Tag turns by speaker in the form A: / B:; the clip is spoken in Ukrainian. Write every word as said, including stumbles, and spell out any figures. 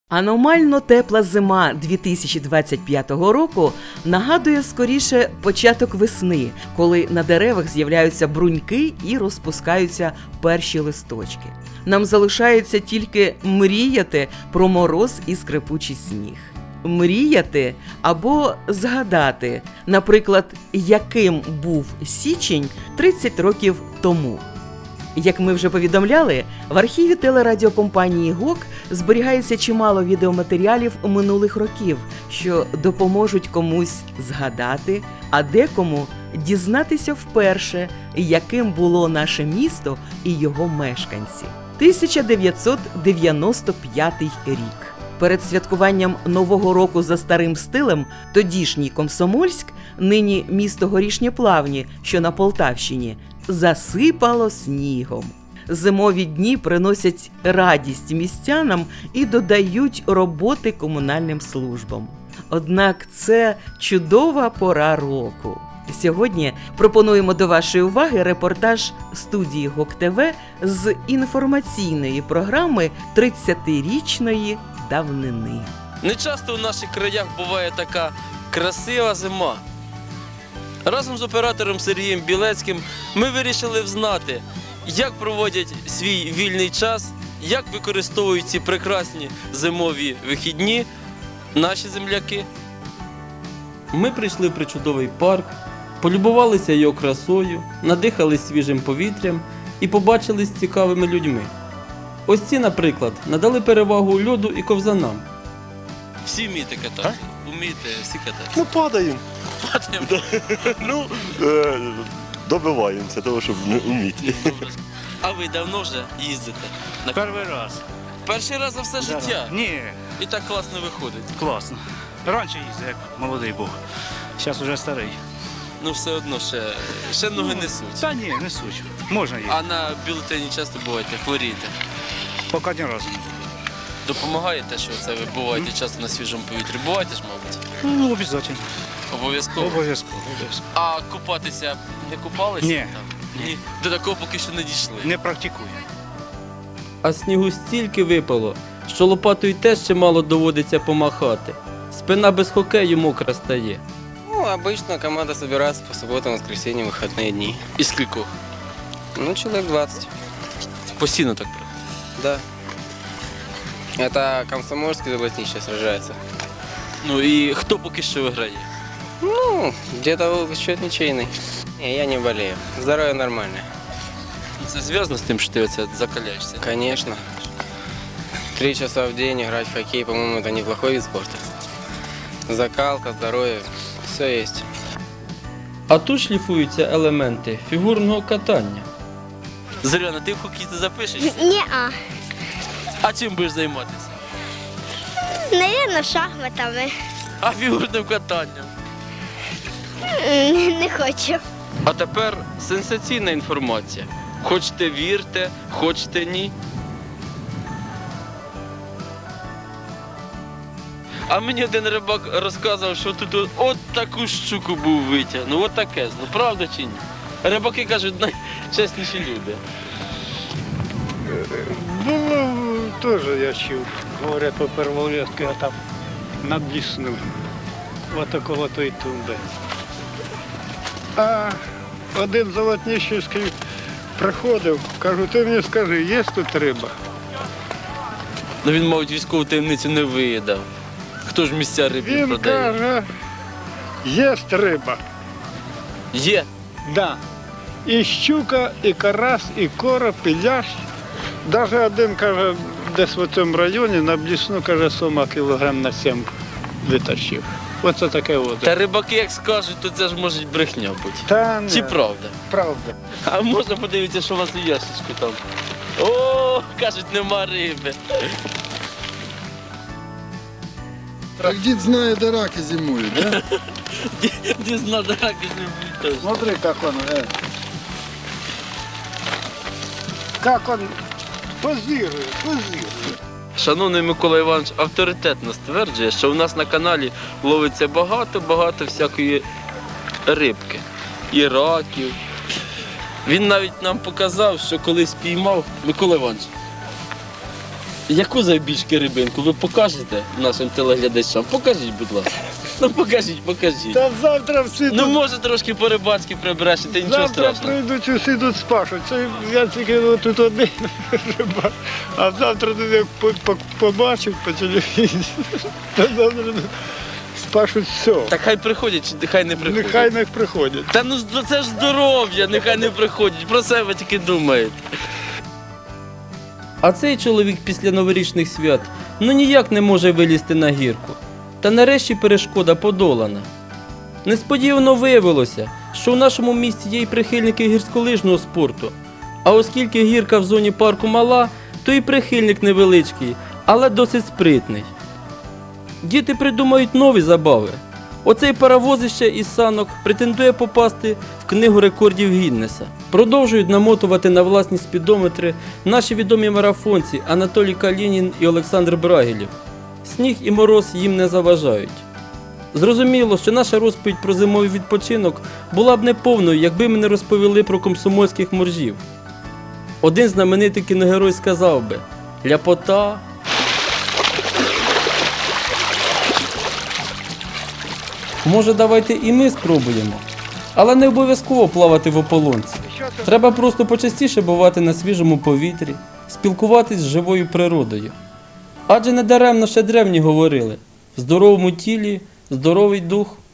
A: Аномально тепла зима дві тисячі двадцять п'ятого року нагадує скоріше початок весни, коли на деревах з'являються бруньки і розпускаються перші листочки. Нам залишається тільки мріяти про мороз і скрипучий сніг. Мріяти або згадати, наприклад, яким був січень тридцять років тому. Як ми вже повідомляли, в архіві телерадіокомпанії ГОК зберігається чимало відеоматеріалів минулих років, що допоможуть комусь згадати, а декому дізнатися вперше, яким було наше місто і його мешканці. тисяча дев'ятсот дев'яносто п'ятий рік. Перед святкуванням Нового року за старим стилем тодішній Комсомольськ, нині місто Горішні Плавні, що на Полтавщині, засипало снігом. Зимові дні приносять радість містянам і додають роботи комунальним службам. Однак це чудова пора року. Сьогодні пропонуємо до вашої уваги репортаж студії ГОК ТВ з інформаційної програми тридцятирічної давнини.
B: Не часто в наших краях буває така красива зима. Разом з оператором Сергієм Білецьким ми вирішили взнати, як проводять свій вільний час, як використовують ці прекрасні зимові вихідні наші земляки. Ми прийшли в причудовий парк, полюбувалися його красою, надихались свіжим повітрям і побачились з цікавими людьми. Ось ці, наприклад, надали перевагу льоду і ковзанам. Всі вмієте кататися? Вмієте всі кататися?
C: Ну, падаємо.
B: Падаємо.
C: Ну, е, добиваємося того, щоб не вміти.
B: А ви давно вже їздите? На...
D: Перший раз.
B: Перший раз за все життя?
D: Ні,
B: І так класно виходить.
D: класно. Раніше їздив, як молодий був. Зараз вже старий.
B: Ну все одно ще, ще ноги несуть.
D: Та ні, не суть. Можна їздити.
B: А на бюлетені часто буваєте, хворієте?
D: Поки ні разу не було.
B: Допомагає те, що це ви буваєте часто на свіжому повітрі? Буваєте ж, мабуть?
D: Ну, обов'язково.
B: Обов'язково?
D: Обов'язково. обов'язково.
B: А купатися не купалися?
D: Ні.
B: Там? Ні. До такого поки що не дійшли.
D: Не практикую.
B: А снігу стільки випало, що лопатою теж ще мало доводиться помахати. Спина без хокею мокра стає.
E: Ну, обычно команда собирается по субботам, воскресеньям, выходные дни.
B: І скількох?
E: Ну, человек двадцать.
B: Постійно так правда.
E: Да. Это Комсомольский золотнище сражается.
B: Ну і хто поки що виграє?
E: Ну, где-то счет ничейный. Не, я не болею. Здоровье нормальное.
B: Це зв'язано з тим, що ти оце закаляєшся?
E: Конечно. Три часа в день играть в хоккей, по-моему, это неплохой вид спорта. Закалка, здоровье, все есть.
B: А тут шліфуються елементи фігурного катання. Зоряна, ти в хокей ти запишешся?
F: Ні-а.
B: А чим будеш займатися?
F: Навірно, шахматами.
B: А фігурним катанням?
F: М, Не хочу.
B: А тепер сенсаційна інформація. Хочете вірте, хочете ні. А мені один рибак розказував, що тут от, от таку щуку був витягнув, от таке, ну правда чи ні? Рибаки кажуть, найчесніші люди.
G: Було теж, я чув, говорять по Перволєтку, я там набліснув, от около тої тумби. А один Золотніщівський приходив, кажу, ти мені скажи, є тут риба?
B: Ну він, мабуть, військову таємницю не виїдав. Хто ж місця рибів
G: Він
B: продає?
G: каже, є риба.
B: Є.
G: Да. І щука, і карась, і короб, і лящ. Навіть один, каже, десь в цьому районі на блісну, каже, сома кілограм на сім витащив. Оце таке от.
B: Та рибаки, як скажуть, то це ж може брехня бути.
G: Та ні,
B: Чи правда?
G: правда.
B: А можна подивитися, що у вас у ящичку там? О, кажуть, нема риби.
H: Так дід знає, де раки зимують, да?
B: Дізна драки не буде.
G: Смотри, как он, э, как он позирует, позирует.
B: Шановний Микола Іванович авторитетно стверджує, що у нас на каналі ловиться багато-багато всякої рибки і раків. Він навіть нам показав, що колись піймав Микола Іванович. Яку завбільшки рибинку ви покажете нашим телеглядачам? Покажіть, будь ласка. Ну покажіть, покажіть.
G: Та завтра всі
B: Ну
G: тут,
B: може трошки по-рибацьки прибрешете, нічого
G: завтра
B: страшного.
G: прийдуть, усі тут спашуть. Це я тільки тут один рибак. А завтра тут як по- по- побачать по телевізору, то завтра тут спашуть все.
B: Так хай приходять, чи хай не приходять.
G: Нехай не приходять.
B: Та ну це ж здоров'я, нехай не приходять, про себе тільки думають. А цей чоловік після новорічних свят ну ніяк не може вилізти на гірку. Та нарешті перешкода подолана. Несподівано виявилося, що в нашому місті є й прихильники гірськолижного спорту. А оскільки гірка в зоні парку мала, то і прихильник невеличкий, але досить спритний. Діти придумають нові забави. Оцей паровозище із санок претендує попасти в книгу рекордів Гіннеса. Продовжують намотувати на власні спідометри наші відомі марафонці Анатолій Калінін і Олександр Брагілєв. Сніг і мороз їм не заважають. Зрозуміло, що наша розповідь про зимовий відпочинок була б неповною, якби ми не розповіли про комсомольських моржів. Один знаменитий кіногерой сказав би: «Ляпота». Може, давайте і ми спробуємо, але не обов'язково плавати в ополонці. Треба просто почастіше бувати на свіжому повітрі, спілкуватись з живою природою. Адже недаремно ще древні говорили: в здоровому тілі здоровий дух.